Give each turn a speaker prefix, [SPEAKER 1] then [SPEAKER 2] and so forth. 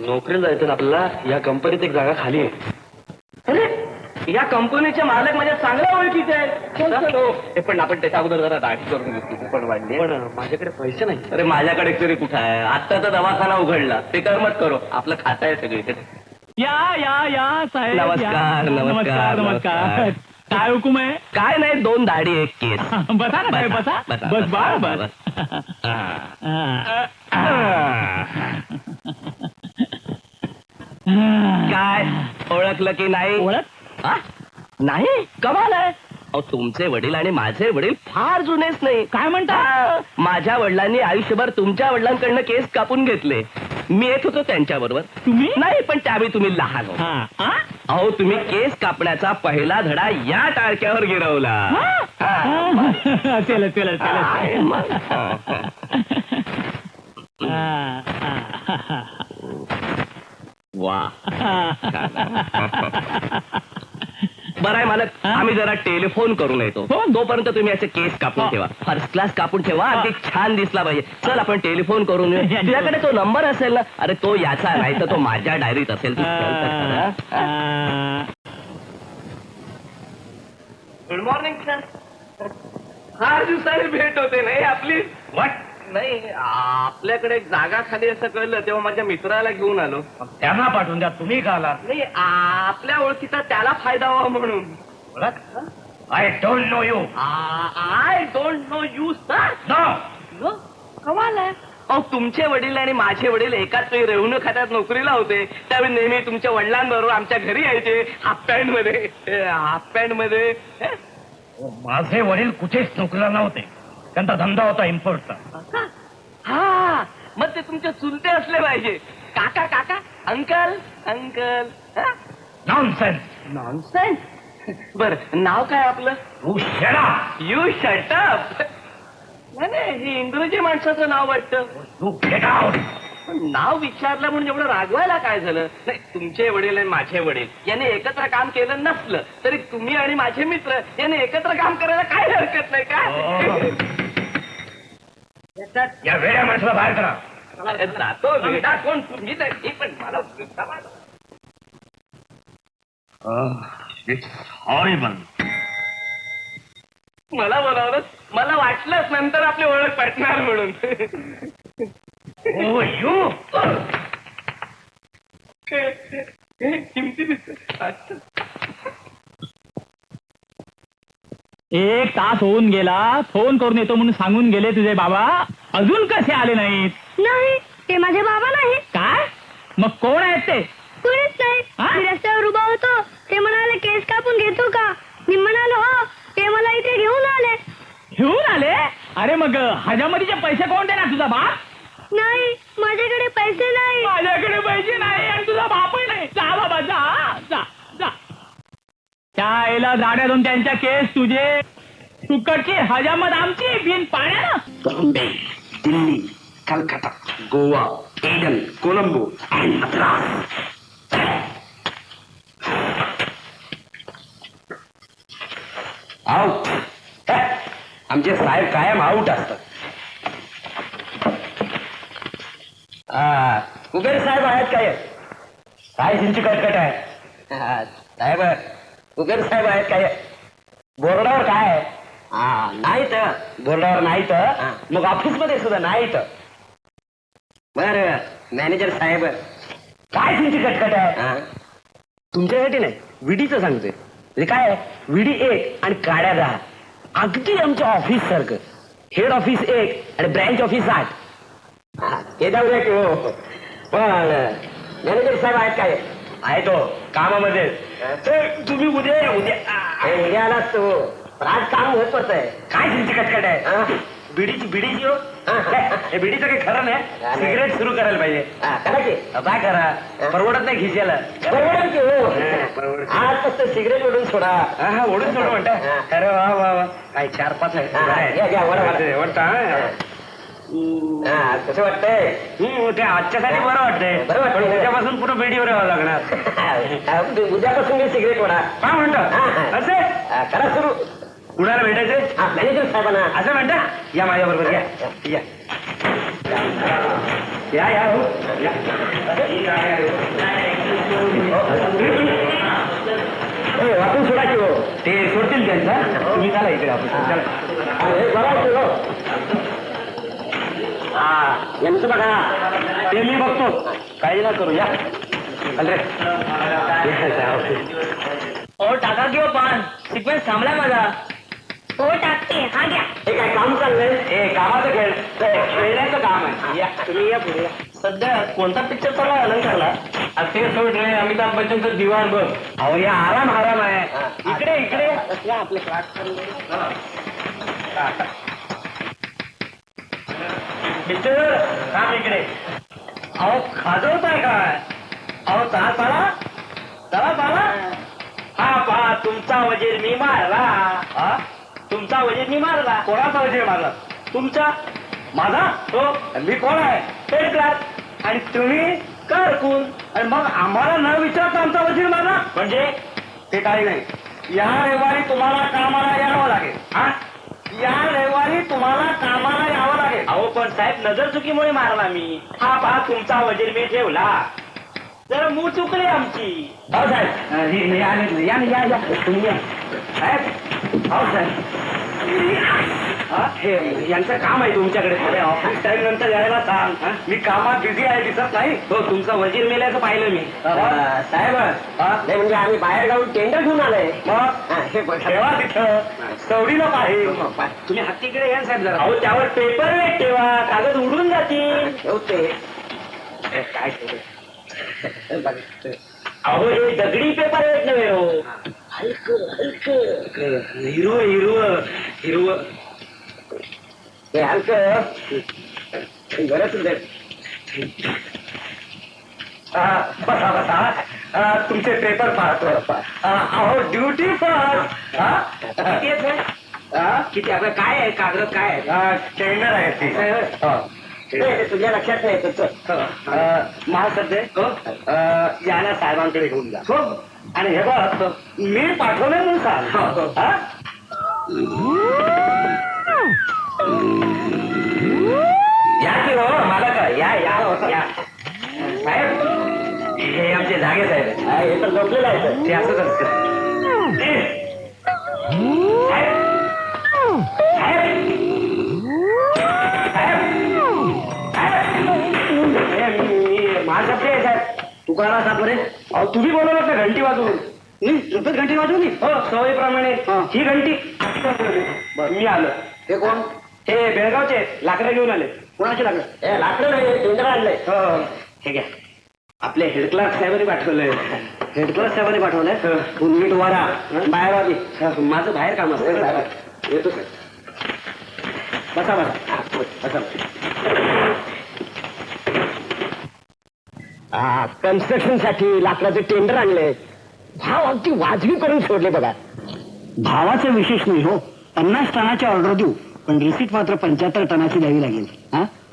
[SPEAKER 1] नोकरीला जायचं ना आपल्याला. या कंपनीत एक जागा खाली आहे.
[SPEAKER 2] अरे या कंपनीचे मालक माझ्या चांगल्या ओळखीचे आहेत. पण आपण त्याच्या अगोदर जरा दाढी करून घेतली पण वाढली.
[SPEAKER 1] पण माझ्याकडे पैसे नाही.
[SPEAKER 2] अरे माझ्याकडे तरी कुठं आहे. आत्ताचा दवाखाना उघडला ते करमत करो. आपलं खातं आहे सगळीकडे.
[SPEAKER 3] या या या साहेब.
[SPEAKER 2] नमस्कार,
[SPEAKER 3] नमस्कार नमस्कार. काय हुकुम आहे?
[SPEAKER 2] काय नाही, 2 दाढी 1 केस.
[SPEAKER 3] बसा ना साहेब, बसा. बस बा बस.
[SPEAKER 2] काय ओळखलं की नाही?
[SPEAKER 3] ओळख
[SPEAKER 2] हा? नाही, कमाल आहे. अहो तुमचे वडील आणि माझे वडील फार जुनेच नाही.
[SPEAKER 3] काय म्हणता?
[SPEAKER 2] हा, माझ्या वडिलांनी आयुष्यभर तुमच्या वडिलांकडनं केस कापून घेतले. मी येत होतो त्यांच्या बरोबर.
[SPEAKER 3] तुम्ही?
[SPEAKER 2] नाही, पण त्यावेळी तुम्ही लहान होता.
[SPEAKER 3] हा
[SPEAKER 2] अहो तुम्ही केस कापण्याचा पहिला धडा या टाळक्यावर गिरवला.
[SPEAKER 3] असेल असेल
[SPEAKER 2] आहे
[SPEAKER 3] असेल.
[SPEAKER 2] मग. वा बरं आहे मालक, आम्ही जरा टेलिफोन करून येतो. तोपर्यंत तुम्ही असे केस कापून ठेवा. फर्स्ट क्लास कापून ठेवा. अगदी छान दिसला पाहिजे. चल आपण टेलिफोन करून येऊ. तुझ्याकडे तो नंबर असेल ना? अरे तो याचा नाही तर तो माझ्या डायरीत असेल. Good morning sir. फार दिवसांनी भेट होते नाही आपली.
[SPEAKER 1] वाट
[SPEAKER 2] नाही, आपल्याकडे एक जागा खाली असं कळलं तेव्हा माझ्या मित्राला घेऊन आलो.
[SPEAKER 1] त्यांना पाठवून द्या. तुम्ही का आला?
[SPEAKER 2] नाही, आपल्या ओळखीचा त्याला फायदा व्हावा म्हणून.
[SPEAKER 1] I don't know you.
[SPEAKER 2] I don't know you sir.
[SPEAKER 1] No.
[SPEAKER 2] कमाल आहे. अहो तुमचे वडील आणि माझे वडील एकाच वेळी रेव्हेन्यू खात्यात नोकरीला होते. त्यावेळी नेहमी तुमच्या वडिलांबरोबर आमच्या घरी यायचे. हाफ पॅन्ट मध्ये.
[SPEAKER 1] माझे वडील कुठेच नोकरीला नव्हते. त्यांचा धंदा होता इम्पोर्टचा.
[SPEAKER 2] हा, मग ते तुमचे चुलते असले पाहिजे. काका काका अंकल अंकल.
[SPEAKER 1] नॉनसेन्स.
[SPEAKER 2] नॉनसेन्स. बर, नाव काय आपलं?
[SPEAKER 1] You shut up.
[SPEAKER 2] You shut up. नाही, हे इंग्रजी माणसाचं नाव वाटतं.
[SPEAKER 1] You get out.
[SPEAKER 2] नाव विचारलं म्हणून एवढं रागवायला काय झालं? नाही, तुमचे वडील आणि माझे वडील यांनी एकत्र काम केलं नसलं तरी तुम्ही आणि माझे मित्र यांनी एकत्र काम करायला काय हरकत नाही का?
[SPEAKER 1] या वेड्या माणसाला बाहेर करा.
[SPEAKER 2] जातो वेडा कोण? तुम्ही नाही, पण मला
[SPEAKER 1] इट्स हॉरिबल.
[SPEAKER 2] मला बोलावलं. मला वाटलंच नंतर आपली ओळख पटणार म्हणून.
[SPEAKER 1] Oh you.
[SPEAKER 2] किमती दिसत.
[SPEAKER 3] एक तास होऊन गेला. फोन करून येतो म्हणून सांगून गेले तुझे बाबा. अजून कसे आले नाहीत?
[SPEAKER 4] नाही, ते माझे बाबा नाही.
[SPEAKER 3] काय? मग कोण आहेत ते?
[SPEAKER 4] कुणीच नाही. मी रस्त्यावर उभा होतो. ते म्हणाले केस कापून घेतो का? मी म्हणालो हो. ते मला इथे घेऊन आले.
[SPEAKER 3] घेऊन आले? अरे मग हजामतीचे पैसे कोण देणार? तुझा बाप?
[SPEAKER 4] नाही, माझ्याकडे पैसे नाही.
[SPEAKER 3] माझ्याकडे पैसे नाही आणि तुझा बापही नाही. जा बाबा, जा जा जा. त्याला जाण्यातून त्यांच्या केस तुझे. तुकडची हजामत आमची. बिन पाण्यानं.
[SPEAKER 5] Bombay, Delhi, Calcutta, Goa, Aden, Colombo and Madras. Out. आमचे साहेब कायम आउट असतात. कुबेर साहेब आहेत काय? काय त्यांची कटकट आहे? साहेब कुबेर साहेब आहेत काय? बोर्डावर काय आहे? नाही तर बोर्डावर नाही तर मग ऑफिस मध्ये सुद्धा नाही तर. बर मॅनेजर साहेब काय तुमची कटकट आहे? तुमच्यासाठी नाही, विडीचं सांगतोय. म्हणजे काय आहे? विडी 1 आणि काड्या 10. अगदी आमच्या ऑफिस सारखं. हेड ऑफिस 1 आणि ब्रँच ऑफिस 8. हे जाऊ द्या की हो. पण मॅनेजर साहेब आहेत काय? आहे तो कामामध्ये. तुम्ही उद्या या. उद्या आलाच तो. आज काम महत्वाचं आहे. काय तुमची कटकट आहे? बिडीची हो. हे बिडीचं काही खरं नाही. सिगरेट सुरू करायला पाहिजे. काय करा? परवडत नाही खिशाला. परवडत की हो. आज फक्त सिगरेट ओढून सोडा. हा ओढून सोडा म्हणता. अरे वा वा वा. काय 4-5 आहे. कसं वाटतंय? ते आजच्यासाठी बरं वाटतंय. बरं वाटतं. त्याच्यापासून पुन्हा बेडीवर यावं लागणार. उद्यापासून मी सिगरेट ओढा. काय म्हणतो? असं करा सुरू. कुणाला भेटायचं? मॅनेजर साहेबांना. असं म्हणता? या माझ्या बरोबर. या या या हो या. वाटून सोडा की हो ते सोडतील त्यांचा तुम्ही चला इकडे आपण चला. हा यांचं बघा ते मी बघतो काही ना करू या रे.
[SPEAKER 2] ओ टाका किंवा पान सिक्वेन्स थांबलाय माझा.
[SPEAKER 4] हो टाकते हा घ्या.
[SPEAKER 5] हे काय काम चाललंय हे कामाचं खेळण्याचं काम आहे या तुम्ही या पुढे.
[SPEAKER 2] सध्या कोणता पिक्चर चालू आहे अलंकारला?
[SPEAKER 5] ते सोड रे अमिताभ बच्चनचं दिवाण बघ. अहो या आराम आहे इकडे इकडे या आपले पिक्चर काम इकडे. अहो खाजवताय काय? अहो चला चला चला चला. हा पहा तुमचा वजीर मी मारला. हा तुमचा वजीर मी मारला. कोणाचा वजीर मारला? तुमचा. माझा? हो. मी कोण आहे? Head class. आणि तुम्ही कारकून. आणि मग आम्हाला न विचारता आमचा वजीर मारला म्हणजे ते काही नाही. या रविवारी तुम्हाला कामाला यावं लागेल. हा या रविवारी तुम्हाला कामाला यावं लागेल.
[SPEAKER 2] अहो पण साहेब नजर चुकीमुळे मारला मी.
[SPEAKER 5] हा पहा तुमचा वजीर मी ठेवला.
[SPEAKER 2] जरा मूळ चुकली आमची.
[SPEAKER 5] हो साहेब या या या तुम्ही या साहेब. हो साहेब हे यांचं काम आहे तुमच्याकडे थोडे ऑफिस टाइम नंतर यायला सांग. मी कामात बिझी आहे दिसत नाही. हो तुमचा वजीर मेल्याचं पाहिलं मी. साहेब नाही म्हणजे आम्ही बाहेर जाऊन टेंडर घेऊन आलोय. मग ठेवा तिथं सवडीला पाहिजे. तुम्ही हत्तीकडे या साहेब जरा.
[SPEAKER 2] अहो त्यावर पेपर वेट ठेवा कागद उडून जातील.
[SPEAKER 5] ठेवते काय ठेवते.
[SPEAKER 2] अहो हे दगडी पेपर वेट नव्हे हो.
[SPEAKER 5] हिरव हिरव हिरव हे हलकं बरंच बसा बसा तुमचे पेपर पाहतो. अहो ड्युटी फर्स्ट. किती आपलं काय आहे कागद काय आहे? टेंडर आहे ते तुझ्या लक्षात नाही तुझं महासध्य याला साहेबांकडे घेऊन जा. हो आणि हे बघ मी पाठवलंय म्हणून सांग. या की हो मला काय या या या साहेब हे आमचे जागे साहेब. हे तर झोपलेलं आहे ते असंच असतं. माझा प्रिय साहेब तुकारा सापरे. अहो तुम्ही बोलवलं ना घंटी वाजवून. नुकतंच घंटी वाजवली. हो सवयीप्रमाणे ही घंटी मी आलो. हे कोण? हे बेळगावचे लाकडं घेऊन आले. कोणाचे लाकडं? हे लाकडं नाही टेंडर आणलंय. हो हे घ्या. आपले हेड क्लार्क साहेबांनी पाठवलंय. हेड क्लार्क साहेबांनी पाठवलंय. नीट वारा बाहेर आधी माझं बाहेर काम असतं. येतो साहेब. बसा बसा बसा. कन्स्ट्रक्शन साठी लाकडाचे टेंडर आणले. भाव अगदी वाजवी करून सोडले बघा.
[SPEAKER 6] भावाचं विशेष नाही हो. 50 टनाची ऑर्डर देऊ पण रिसीट मात्र 75 टनाची द्यावी लागेल. हा